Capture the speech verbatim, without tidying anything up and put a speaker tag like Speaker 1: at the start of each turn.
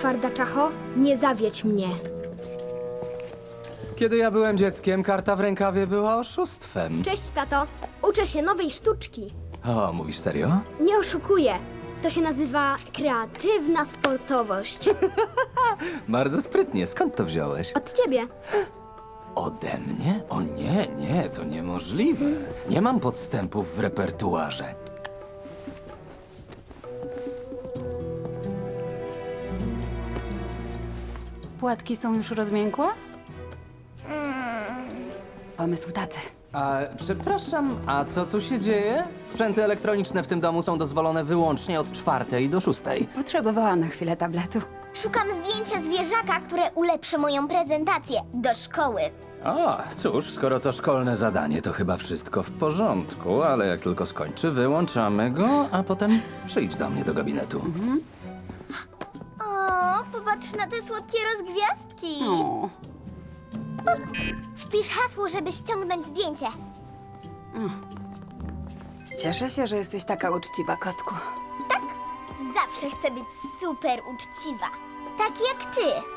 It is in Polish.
Speaker 1: twarda czacho, nie zawiedź mnie.
Speaker 2: Kiedy ja byłem dzieckiem, karta w rękawie była oszustwem.
Speaker 1: Cześć, tato. Uczę się nowej sztuczki.
Speaker 2: O, mówisz serio?
Speaker 1: Nie oszukuję. To się nazywa kreatywna sportowość.
Speaker 2: Bardzo sprytnie. Skąd to wziąłeś?
Speaker 1: Od ciebie.
Speaker 2: Ode mnie? O nie, nie, to niemożliwe. Nie mam podstępów w repertuarze.
Speaker 3: Płatki są już rozmiękłe? Pomysł taty.
Speaker 2: A, przepraszam, a co tu się dzieje? Sprzęty elektroniczne w tym domu są dozwolone wyłącznie od czwartej do szóstej.
Speaker 3: Potrzebowała na chwilę tabletu.
Speaker 4: Szukam zdjęcia zwierzaka, które ulepszy moją prezentację do szkoły.
Speaker 2: O, cóż, skoro to szkolne zadanie, to chyba wszystko w porządku, ale jak tylko skończy, wyłączamy go, a potem przyjdź do mnie do gabinetu.
Speaker 4: O, popatrz na te słodkie rozgwiazdki.
Speaker 3: O,
Speaker 4: Wpisz hasło, żeby ściągnąć zdjęcie.
Speaker 3: cieszę się, że jesteś taka uczciwa, kotku.
Speaker 4: Zawsze chcę być super uczciwa. Tak jak ty.